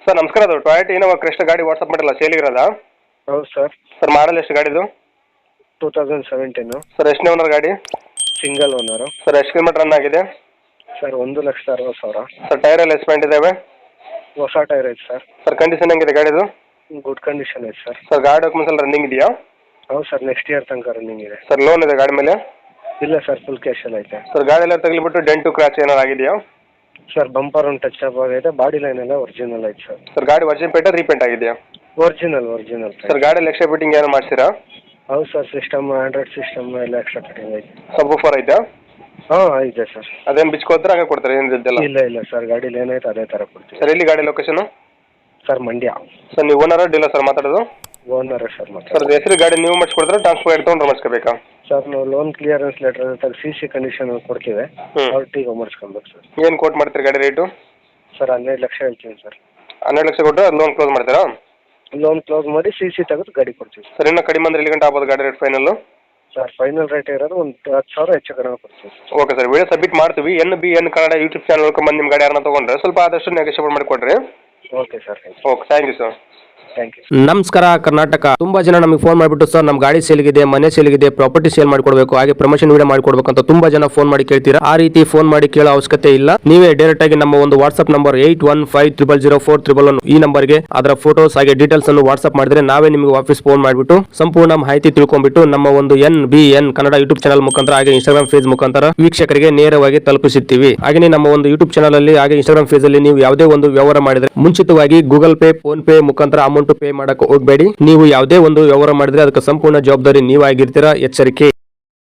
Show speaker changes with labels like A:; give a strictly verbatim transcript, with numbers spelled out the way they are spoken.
A: Sir ನಮಸ್ಕಾರ, ಅದು Toyota Innova Crysta ಗಾಡಿ ವಾಟ್ಸಪ್ ಮಾಡಿಲ್ಲ, ಸೇಲಿಗಿರೋದಾ?
B: ಹೌದು ಸರ್.
A: ಸರ್ ಮಾಡಲ್ ಎಷ್ಟು ಗಾಡಿದು?
B: Two thousand seventeen.
A: ಸರ್ ಎಷ್ಟನೇ ಓನರ್ ಗಾಡಿ?
B: Single owner.
A: ಸರ್ ಎಷ್ಟು ಕಿಲೋಮೀಟರ್ ರನ್ ಆಗಿದೆ?
B: ಸರ್ ಒಂದು ಲಕ್ಷದ ಅರವತ್ತು ಸಾವಿರ.
A: ಸರ್ ಟೈರ್ ಎಲ್ಲ ಎಸ್ಪೆಂಟ್ ಇದಾವೆ?
B: ಹೊಸ ಟೈರ್ ಐತೆ ಸರ್.
A: ಸರ್ ಕಂಡೀಷನ್ ಹೆಂಗಿದೆ ಗಾಡಿದು?
B: ಗುಡ್ ಕಂಡೀಷನ್ ಐತೆ ಸರ್.
A: ಸರ್ ಗಾಡಿ ಡಾಕ್ಯುಮೆಂಟ್ಸ್ ಎಲ್ಲ ರನ್ನಿಂಗ್ ಇದೆಯಾ?
B: ಹೌದು ಸರ್, ನೆಕ್ಸ್ಟ್ ಇಯರ್ ತನಕ ರನ್ನಿಂಗ್ ಇದೆ.
A: ಸರ್ ಲೋನ್ ಇದೆ ಗಾಡಿ ಮೇಲೆ?
B: ಇಲ್ಲ ಸರ್, ಫುಲ್ ಕ್ಯಾಶಲ್ಲಿ ಐತೆ.
A: ಸರ್ ಗಾಡಿ ಎಲ್ಲ ತಗಲಿಬಿಟ್ಟು ಡೆಂಟು ಕ್ರಾಚ್ ಏನಾರು ಆಗಿದೆಯಾ?
B: ಸರ್ ಬಂಪರ್ ಒಂದು ಟಚ್ ಅಪ್ ಆಗೈತೆ, ಬಾಡಿ ಲೈನ್ ಎಲ್ಲ ಒರಿಜಿನಲ್ ಐತೆ ಸರ್.
A: ಸರ್ ಗಾಡಿ ವರ್ಜಿನ್ ಪೇಟ ರೀಪೇಂಟ್ ಆಗಿದೆಯಾ?
B: ಒರಿಜಿನಲ್ ಒರಿಜಿನಲ್
A: ಸರ್ ಗಾಡಿಯಲ್ಲಿ ಎಕ್ಸ್ಟ್ರಾ ಫಿಟ್ಟಿಂಗ್ ಏನಾರು ಮಾಡಿಸಿರಾ?
B: ಹೌದು ಸರ್, ಸಿಸ್ಟಮ್ ಆಂಡ್ರಾಯ್ಡ್ ಸಿಸ್ಟಮ್ ಎಲ್ಲ ಎಕ್ಸ್ಟ್ರಾ ಫಿಟ್ಟಿಂಗ್ ಐತೆ.
A: ಸಬ್ ವೂಫರ್ ಐತಾ?
B: ಹಾಂ ಐತೆ ಸರ್.
A: ಅದೇನು ಬಿಚ್ಕೋತಾರೆ ಹಾಗೆ ಕೊಡ್ತಾರೆ ಏನು ಇದೆಲ್ಲ?
B: ಇಲ್ಲ ಇಲ್ಲ ಸರ್, ಗಾಡೀಲಿ ಏನೈತೆ ಅದೇ ಥರ ಕೊಡ್ತೀವಿ.
A: ಸರ್ ಎಲ್ಲಿ ಗಾಡಿ ಲೊಕೇಶನು?
B: ಸರ್ ಮಂಡ್ಯ.
A: ಸರ್ ನೀವು ಓನರ ಡೀಲರ್ ಸರ್ ಮಾತಾಡೋದು?
B: ಓನರ್ ಸರ್ ಮಾತಾಡೋದು.
A: ಸರ್ ಹೆಸರು ಗಾಡಿ ನೀವು ಮಾಡಿಸ್ಕೊಡ್ತಾರೆ, ಟ್ರಾನ್ಸ್ಫರ್ ತೊಗೊಂಡ್ರೆ ಮಾಡಿಸ್ಕೋಬೇಕಾ?
B: ಸರ್ ನಾವು ಲೋನ್ ಕ್ಲಿಯರೆನ್ಸ್ ಲೆಟರ್ ತೆಗೆದು ಸಿ ಸಿ ಕಂಡೀಷನ್ ಕೊಡ್ತೀವಿ,
A: ಹ್ಞೂ
B: ಅವ್ರಿಗೆ ಮಾಡಿಸ್ಕೊಬೇಕು ಸರ್.
A: ಏನು ಕೋಟ್ ಮಾಡ್ತೀರಿ ಗಾಡಿ ರೇಟು?
B: ಸರ್ ಹನ್ನೆರಡು ಲಕ್ಷ ಹೇಳ್ತೀನಿ ಸರ್.
A: ಹನ್ನೆರಡು ಲಕ್ಷ ಕೊಟ್ಟರೆ ಅದು ಲೋನ್ ಕ್ಲೋಸ್ ಮಾಡ್ತೀರಾ?
B: ಲೋನ್ ಕ್ಲೋಸ್ ಮಾಡಿ ಸಿ ಸಿ ತೆಗೆದು ಗಾಡಿ ಕೊಡ್ತೀವಿ
A: ಸರ್. ಇನ್ನೂ ಕಡಿಮೆ ಅಂದ್ರೆ ಎಲ್ಲಿ ಗಂಟೆ ಆಗ್ಬೋದು ಗಾಡಿ rate final?
B: Sir final rate ಇರೋದು ಒಂದು ಹತ್ತು ಸಾವಿರ ಹೆಚ್ಚು ಕಡಿಮೆ ಕೊಡ್ತೀವಿ.
A: ಓಕೆ ಸರ್, ವಿಡಿಯೋ ಸಬ್ಮಿಟ್ ಮಾಡ್ತೀವಿ. N B N Kannada YouTube channel ಬಂದು ನಿಮ್ಮ ಗಾಡಿ ಯಾರನ್ನ ತೊಗೊಂಡ್ರೆ ಸ್ವಲ್ಪ ಆದಷ್ಟು ನೆಗೋಷಿಯೇಟ್ ಮಾಡಿ ಕೊಡ್ರಿ.
B: Okay sir, thank you.
A: Okay, thank you sir.
B: Thank you.
C: ನಮಸ್ಕಾರ ಕರ್ನಾಟಕ. ತುಂಬಾ ಜನ ನಮಗೆ ಫೋನ್ ಮಾಡಿಬಿಟ್ಟು ಸರ್ ನಮ್ಮ ಗಾಡಿ ಸೇಲ್ಗಿದೆ, ಮನೆ ಸೇಲ್ಗಿದೆ, ಪ್ರಾಪರ್ಟಿ ಸೇಲ್ ಮಾಡ್ಕೊಡ್ಬೇಕು, ಹಾಗೆ ಪ್ರಮೋಷನ್ ವಿಡಿಯೋ ಮಾಡ್ಕೊಡ್ಬೇಕು ಅಂತ ತುಂಬಾ ಜನ ಫೋನ್ ಮಾಡಿ ಕೇಳ್ತೀರಾ. ಆ ರೀತಿ ಫೋನ್ ಮಾಡಿ ಕೇಳೋ ಅವಶ್ಯಕತೆ ಇಲ್ಲ. ನೀವೇ ಡೈರೆಕ್ಟ್ ಆಗಿ ನಮ್ಮ ಒಂದು WhatsApp number eight one five triple zero four triple one ಈ ನಂಬರ್ಗೆ ಅದರ ಫೋಟೋಸ್ ಹಾಗೆ ಡೀಟೇಲ್ಸ್ ಅನ್ನು ವಾಟ್ಸ್ಆಪ್ ಮಾಡಿದ್ರೆ ನಾವೇ ನಿಮಗೆ ವಾಪಸ್ ಫೋನ್ ಮಾಡಿಬಿಟ್ಟು ಸಂಪೂರ್ಣ ಮಾಹಿತಿ ತಿಳ್ಕೊಂಡ್ಬಿಟ್ಟು ನಮ್ಮ ಒಂದು N B N Kannada YouTube channel ಮುಖಾಂತರ ಹಾಗೆ ಇನ್ಸ್ಟಾಗ್ರಾಮ್ ಫೇಸ್ ಮುಖಾಂತರ ವೀಕ್ಷಕರಿಗೆ ನೇರವಾಗಿ ತಲುಪಿಸುತ್ತೀವಿ. ಹಾಗೆ ನಮ್ಮ ಒಂದು ಯೂಟ್ಯೂಬ್ ಚಾನಲ್ ಅಲ್ಲಿ ಹಾಗೆ ಇನ್ಸ್ಟಾಗ್ರಾಮ್ ಫೇಸ್ ಅಲ್ಲಿ ನೀವು ಯಾವುದೇ ಒಂದು ವ್ಯವಹಾರ ಮಾಡಿದ್ರೆ ಮುಂಚಿತವಾಗಿ ಗೂಗಲ್ ಪೇ, ಫೋನ್ ಪೇ ಮುಖಾಂತರ ಅಮೌಂಟ್ ಪೇ ಮಾಡಕ್ಕೆ ಹೋಗಬೇಡಿ. ನೀವು ಯಾವುದೇ ಒಂದು ವ್ಯವಹಾರ ಮಾಡಿದ್ರೆ ಅದಕ್ಕೆ ಸಂಪೂರ್ಣ ಜವಾಬ್ದಾರಿ ನೀವಾಗಿರ್ತೀರಾ. ಎಚ್ಚರಿಕೆ.